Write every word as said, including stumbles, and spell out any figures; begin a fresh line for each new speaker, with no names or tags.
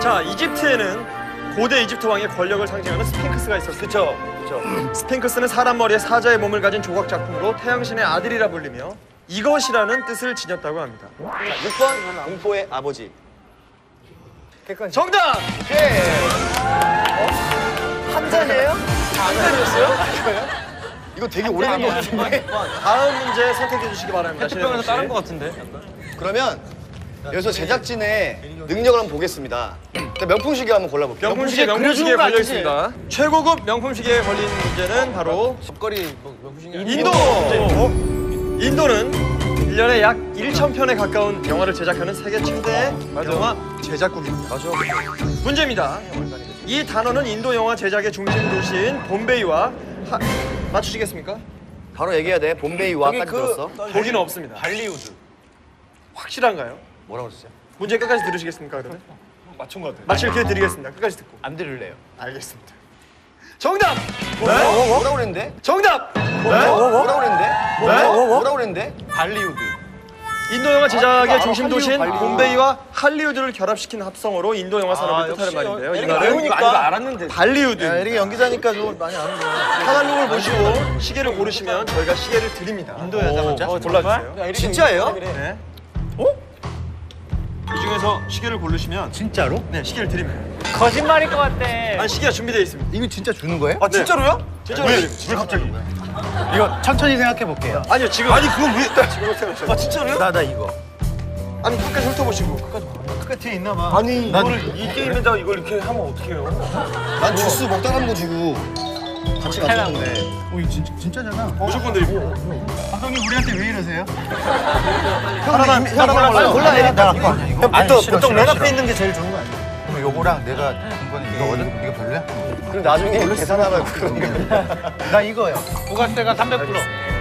자, 이집트에는 고대 이집트 왕의 권력을 상징하는 스핑크스가 있었어요.
그쵸, 그쵸.
스핑크스는 사람 머리에 사자의 몸을 가진 조각 작품으로 태양신의 아들이라 불리며 이것이라는 뜻을 지녔다고 합니다.
자, 육 번 공포의 아버지.
정답!
오케이. 한 잔이에요? 한 잔이었어요? 이거 되게 오래된 거 같은데.
다음 문제 선택해 주시기 바랍니다.
페트병에서 따른 것 같은데.
그러면 여기서 제작진의 능력을 한번 보겠습니다. 자, 명품 시계 한번 골라볼게요.
명품 시계 명품 시계에 걸려 있습니다. 최고급 명품 시계에 걸린 문제는 바로
밥거리 뭐 명품시계.
인도 문제입니다. 인도는 일 년에 약 천 편에 가까운 영화를 제작하는 세계 최대 영화 제작국입니다.
맞아.
문제입니다. 이 단어는 인도 영화 제작의 중심 도시인 봄베이와 하... 맞추시겠습니까?
바로 얘기해야 돼. 봄베이와까지
그-
들었어.
거기는 없습니다.
발리우드.
확실한가요?
뭐라고 그랬어요?
문제 끝까지 들으시겠습니까? 그러면?
맞춘 것 같아.
맞힐 기회 드리겠습니다. 끝까지 듣고.
안 들을래요.
알겠습니다. 정답!
뭐? 뭐? 뭐라고 그랬는데?
정답!
뭐? 뭐라고 그랬는데? 뭐? 뭐라고 그랬는데?
발리우드.
인도 영화 제작의
알아,
중심
할리우드,
도시인
할리우드.
봄베이와 할리우드를 결합시킨 합성어로 인도 영화 산업을 뜻하는 말인데요. 이 말은
이거 알았는데.
발리우드.
이렇게 연기자니까 좀 많이 아는 거야.
카탈로그를 보시고 시계를 고르시면 저희가 시계를 드립니다.
인도 여자 맞아?
어, 골라주세요.
진짜예요?
네. 어? 이 중에서 시계를 고르시면
진짜로?
네, 시계를 드립니다.
거짓말일 것 같아.
아니, 시계가 준비되어 있습니다.
이거 진짜 주는 거예요?
아, 진짜로요? 진짜로 왜? 왜 갑자기?
이거 천천히 생각해 볼게요.
아니요, 지금. 아니, 그건 왜? 지금 생각하세요. 아, 진짜로요?
나 나 이거.
아니, 끝까지 훑어보시고. 끝까지.
끝에 있나 봐.
아니 이거를 이 게임에다 이걸 이렇게 하면 어떡해요?
난 주스 먹다 남은 거 주고 같이 갔는데.
어, 이거 진짜, 진짜잖아.
무조건 드리고.
감독님, 우리한테 왜 이러세요?
하나만 하나만 골라. 골라.
나 갖고 아니야, 이거?
보통
싫어,
보통
싫어,
맨
싫어.
앞에 있는 게 제일 좋은 거 아니야?
그럼 요거랑 내가 준 거는 이거거든? 이거 별로야?
그럼 나중에 계산하면 그런 거.
나 이거요.
부가세가 삼백 퍼센트.